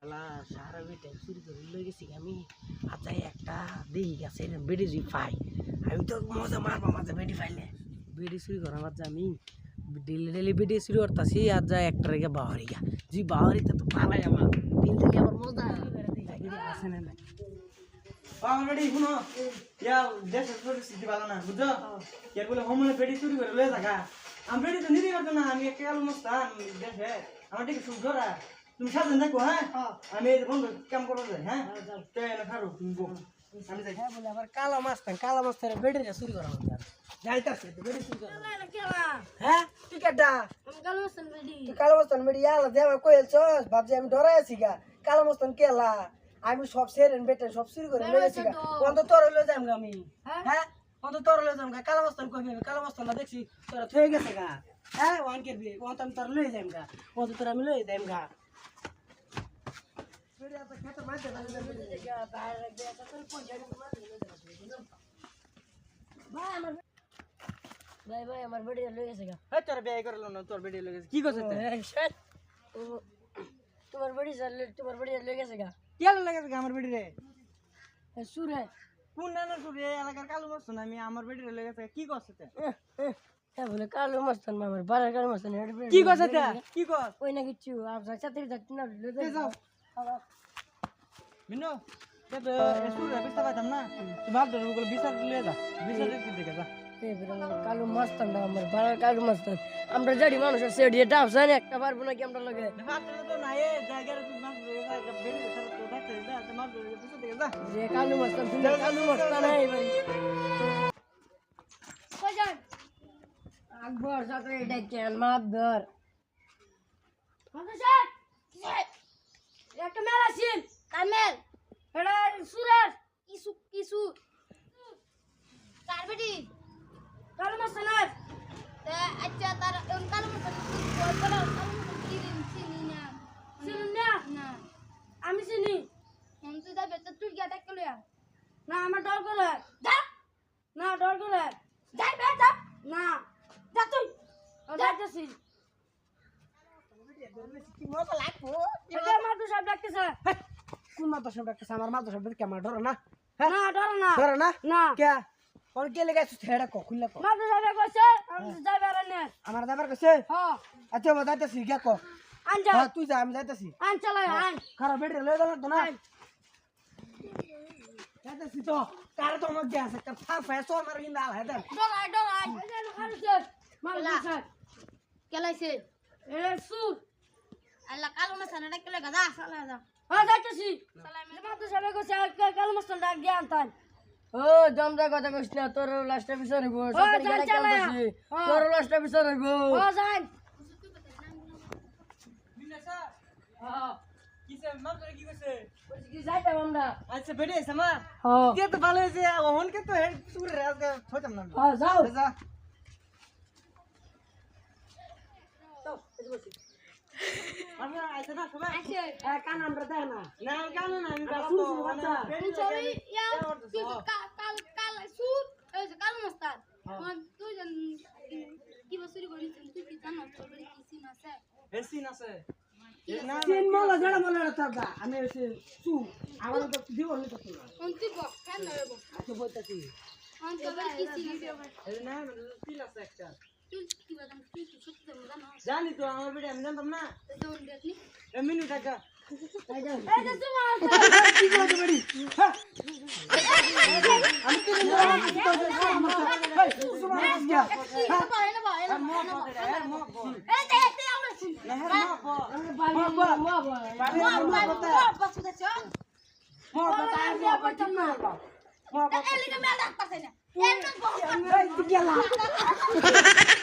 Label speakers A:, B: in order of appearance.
A: সারা বেটা চুরি করে লই গেছি আমি আচ্ছা একটা দেখি গেছে বেডি যদি পাই আমি তো মজা মারবো মাঝে বেডি পাইলে বেডি চুরি করা মাঝে আমি ডেলি ডেলি বেডি চুরি করতেছি আর যা একটা রেখে বাহারি গা যদি বাহারিতে তো পালাই আমার দিল থেকে আবার মজা আসে না না
B: অলরেডি শুনো ইয়া দেশের পরিস্থিতি ভালো না বুঝছো এর বলে হোমনে বেডি চুরি করে লয়ে থাকা আমি বেডি তো নিতে পারতো না আমি একটা আলু মস্তান দেশে আমার দিকে সুখ ধরা তুমি সাবধান থাকো হ্যাঁ আমি এই বন্ধু কাম করবো যাই হ্যাঁ না খারো তুমি বল আমি যাই
A: হ্যাঁ বলে আবার কালা মাছ তারা বেডি চুরি করা হচ্ছে যাইতাছে তো বেডি চুরি করা হ্যাঁ তুই কেডা তুই কালো মস্তান বেডি আলা দেবা কইলছস ভাবছি আমি ডরাই আছি গা কালো মস্তান কেলা আমি সব সেরেন বেটে সব চুরি করে লই আছি গা অন্ত তোর লই যাম গা আমি হ্যাঁ অন্ত তোর লই যাম গা কালো মস্তান কইবি কালো মস্তান না দেখছি তোরা থয়ে গেছে গা হ্যাঁ ওয়ান করবি অন্ত আমি তোর লই যাম গা অন্ত তোর আমি লই যাম গা বেডি আপা খেতে মাঝে মাঝে গা বাইরে গিয়ে তো তোর পয়সা ভাই আমার বেডি লই গেছে গা
B: এই তোর বিয়ে করলো না তোর বেডি লয়ে গেছে কি করছিস
A: তোমার বেডি লই গেছে গা
B: কি আলো লাগে আমার বেডি রে
A: সুরে
B: কোন নানা সুরে এলাকার কালো মস্তান আমি আমার বেডি লয়ে গেছে কি করছিস
A: বলে কালো মস্তান আমার বাড়ার কালো মস্তান
B: কি করছিস কি কর
A: ওই না কিছু আপনার সাথে যাচ্ছি না
B: যাও মিনো তো সুরে বিস্তা পাইতাম না তুই ভাব ধরে ওগুলো বিচার লিয়ে যা বিচার দিকে যা
A: কালো মস্তান আমার বাড়ার কালো মস্তান আমরা জানি মানুষের সেট এটা আপসান একটা পারবো নাকি আমরা লগে
B: তো না এ জায়গায় তুই মাছ ধরে বেডি ছাড়া তো ডাক্তার যা তুই মাছ ধরে বিচার দিকে যা
A: যে কালো মস্তান তুমি কালো মস্তান এই ভাই কইজান আকবর সাথে এটা কেন মাপ ধর স্যার একটা মেল আছেন কামেল এটা সুরেশ কিসু
C: কার বেটি
A: কালো মস্তান
C: আচ্ছা তার কালো মতন বলো কালো মতন চিনি না
A: চিনুন না
C: না
A: আমি চিনি
C: তুই যাবে তো তুই গিয়ে ডাক লয়া
A: না আমার ডর করে
C: যা
A: না ডর করে
C: যাই বে যা
A: না
C: যা তুই
A: যাইতেছি
B: কি মজা লাগবো
A: এটা মাদু সাহেব ডাকতেছে
B: কোন মাথা সব ডাক্তার আমার মাথা সব দেখে আমার ডর না
A: না ডর না
B: ধরে না
A: না
B: কে কোন কে লেগে আছে হেডা কখুল্লা কো
A: মাদু সাহেব কইছে আমি যাইবে আর না
B: আমার দাবার কাছে
A: হ্যাঁ
B: আচ্ছা মই যাইতাছি কে কো
A: আন যা
B: হ্যাঁ তুই যা আমি যাইতাছি
A: আন চালাই আন
B: খারাপ বেড লয়ে গেল তো না যাইতাছি তো কার তো মধ্যে আছে কার ফার ফেসো আমার ইন্দা আল হেডা
A: ডরাই খারুছে মাদু সাহেব
C: কেলাইছে
A: এ সুর
C: আল্লাহ কালো না সানা ডাক লয়া যা সালা যা
A: হ্যাঁ যাইতেছি মাদু সাহেব কইছে কালো মস্তান ডাক দিয়ে আনতান ও জমদা কথা কইছ না তোর লাস্টে বিচার হইব সরকারি গাড়ি চালাছি তোর লাস্টে বিচার হইব ও যাই
B: মিনাসা
A: হ্যাঁ
B: কিসে মাম করে কি কইছে
A: কি যাইতাম আমরা
B: আচ্ছা বেডে আছে মা
A: হ্যাঁ
B: কে তো ভালো হইছে ওহন কে তো হেড সুর রে আজকে হইতাম না
A: হ্যাঁ যাও
B: যা আমি আইছে না সবাই
A: আচ্ছা কান আমরা দেয় না
B: না কেন না আমি বাবা
A: শুরু
B: তো
A: শুরু বাচ্চা।
C: সরি ইয়া তুই কাল কাল সুর এই যে কালো মস্তান তুই জান কি বসুরি করিস তুই কি জানো তোর বাড়ি কি সিন আছে
B: হেসিন আছে না
A: তিন মালা জড়া মালা রাখতা আমি এসে সু আমার তো দিব নি তো না
C: তুই বক কেন নেব
A: আচ্ছা বলতাছি
C: তোর বাড়ি কি সিন আছে
B: এই না তিল আছে একটা
C: তুই কি বাদাম তুই কি সত্যি জানো
B: জানি তো আমার বেডে আমি জানতাম না
C: দৌড় দেখনি
B: এ মিনু টাকা
A: তাই যাও
C: এই যে তোমার
B: কি করতে পারি আমি তো
A: গেলা